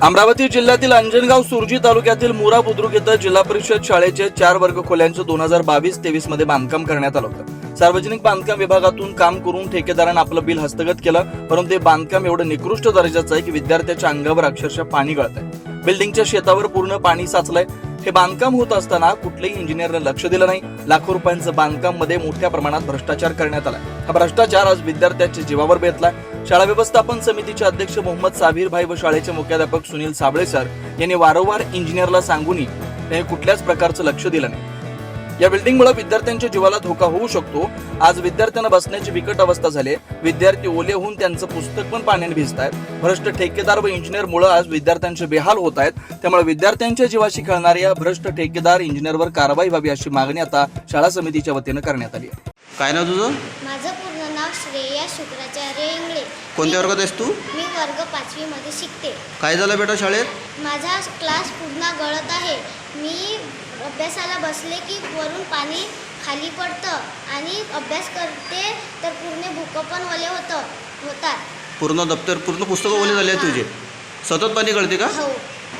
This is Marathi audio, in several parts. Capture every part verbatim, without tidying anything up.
अमरावती जिल्ह्यातील अंजनगाव सुरजी तालुक्यातील मुरा बुद्रुक इथं जिल्हा परिषद शाळेचे चार वर्ग खोल्यांचं दोन हजार बावीस तेवीस मध्ये बांधकाम करण्यात आलं होतं। सार्वजनिक बांधकाम विभागातून काम करून ठेकेदारानं आपलं बिल हस्तगत केलं, परंतु ते बांधकाम एवढं निकृष्ट दर्जाचं आहे की विद्यार्थ्याच्या अंगावर अक्षरशः पाणी गळतंय। बिल्डिंगच्या शेतावर पूर्ण पाणी साचलंय। हे बांधकाम होत असताना कुठल्याही इंजिनियरने लक्ष दिलं नाही। लाखो रुपयांचं बांधकाम मध्ये मोठ्या प्रमाणात भ्रष्टाचार करण्यात आला। हा भ्रष्टाचार आज विद्यार्थ्यांच्या जीवावर बेतला। शाळा व्यवस्थापन समितीचे अध्यक्ष मोहम्मद साबीर भाई व शाळेचे मुख्याध्यापक सुनील साबळे सर यांनी वारंवार इंजिनियरला सांगूनही त्यांनी कुठल्याच प्रकारचं लक्ष दिलं नाही। या बिल्डिंगमुळे विद्यार्थ्यांच्या जीवाला धोका होऊ शकतो। आज विद्यार्थ्यांना बसण्याची बिकट अवस्था झाली। विद्यार्थी ओले होऊन त्यांचं पुस्तक पण पाण्याने भिजतायत। भ्रष्ट ठेकेदार व इंजिनियर मुळे आज विद्यार्थ्यांचे बेहाल होत आहेत। त्यामुळे विद्यार्थ्यांच्या जीवाशी खेळणाऱ्या भ्रष्ट ठेकेदार इंजिनियरवर कारवाई व्हावी अशी मागणी आता शाळा समितीच्या वतीने करण्यात आली आहे। काय नाव तुझं? माझं पूर्ण नाव श्रेया शुक्राचार्य इंगळे। कोणत्या वर्गात आहेस तू? मी वर्ग पाचवी मध्ये शिकते। काय झालं बेटा शाळेत? माझा क्लास पूर्ण गळत आहे। मी अभ्यासाला बसले की वरून पाणी खाली पडतं आणि अभ्यास करते तर पूर्ण बुक पण ओले होतं होतात। पूर्ण दप्तर पूर्ण पुस्तकं ओले झाले तुझे? सतत पाणी गळते का? हो।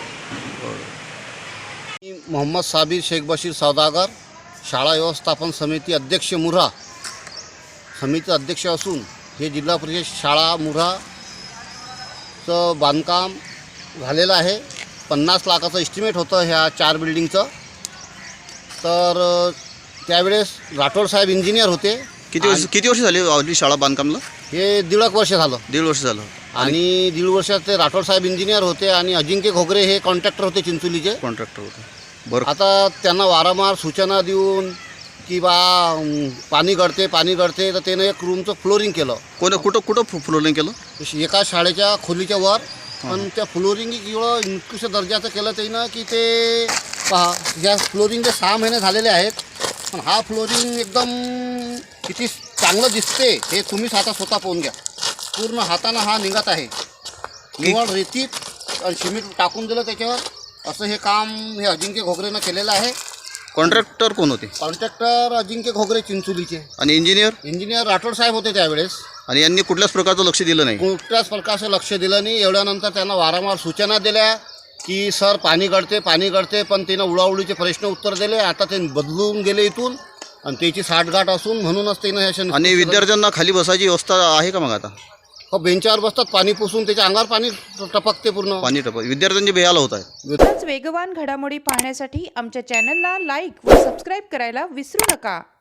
मी मोहम्मद साबीर शेख बशीर सौदागर, शाळा व्यवस्थापन समिती अध्यक्ष मुरा समिती अध्यक्ष असून हे जिल्हा परिषद शाळा मुराचं बांधकाम झालेलं आहे। पन्नास लाखाचं एस्टिमेट होतं ह्या चार बिल्डिंगचं। तर त्यावेळेस राठोड साहेब इंजिनियर होते। किती वर्ष किती वर्ष झाली आपली शाळा बांधकामला? हे दीड एक वर्ष झालं। दीड वर्ष झालं। आणि दीड वर्षात ते राठोड साहेब इंजिनियर होते आणि अजिंक्य घोगरे हे कॉन्ट्रॅक्टर होते चिंचोलीचे। कॉन्ट्रॅक्टर होते बरं। आता त्यांना वारंवार सूचना देऊन की बा पाणी गळते पाणी गळते तर त्यानं एक रूमचं फ्लोरिंग केलं। कोण कुठं कुठं फ्लोरिंग केलं? एका शाळेच्या खोलीच्या वर। पण त्या फ्लोरिंग एवढं निकृष्ट दर्जाचं केलं त्यानं की ते पहा या फ्लोरिंगचे सहा महिने झालेले आहेत, पण हा फ्लोरिंग एकदम किती चांगलं दिसते हे तुम्हीच आता स्वतः पाहून घ्या। पूर्ण हातानं हा निघत आहे। निवड रेतीत आणि सिमेंट टाकून दिलं त्याच्यावर, असं हे काम हे अजिंक्य घोगरेनं केलेलं आहे। कॉन्ट्रॅक्टर कोण होते? कॉन्ट्रॅक्टर अजिंक्य घोगरे चिंचोलीचे। आणि इंजिनियर? इंजिनियर राठोड साहेब होते त्यावेळेस। आणि यांनी कुठल्याच प्रकारचं लक्ष दिलं नाही? कुठल्याच प्रकारचं लक्ष दिलं नाही। एवढ्यानंतर त्यांना वारंवार सूचना दिल्या की सर पाणी गळते पाणी गळते, पण त्यानं उडाउडीचे प्रश्न उत्तर दिले। आता ते बदलून गेले इथून आणि त्याची साठगाठ असून म्हणूनच त्यानं हे। आणि विद्यार्थ्यांना खाली बसायची व्यवस्था आहे का मग आता? हो, बेंचावर बसतात, पाणी पुसून त्याच्या अंगावर पाणी टपकते, पूर्ण पाणी टपक। विद्यार्थ्यांचे बेहाल होत आहेत। वेगवान घडामोडी पाहण्यासाठी आमच्या चॅनलला लाईक व सबस्क्राईब करायला विसरू नका।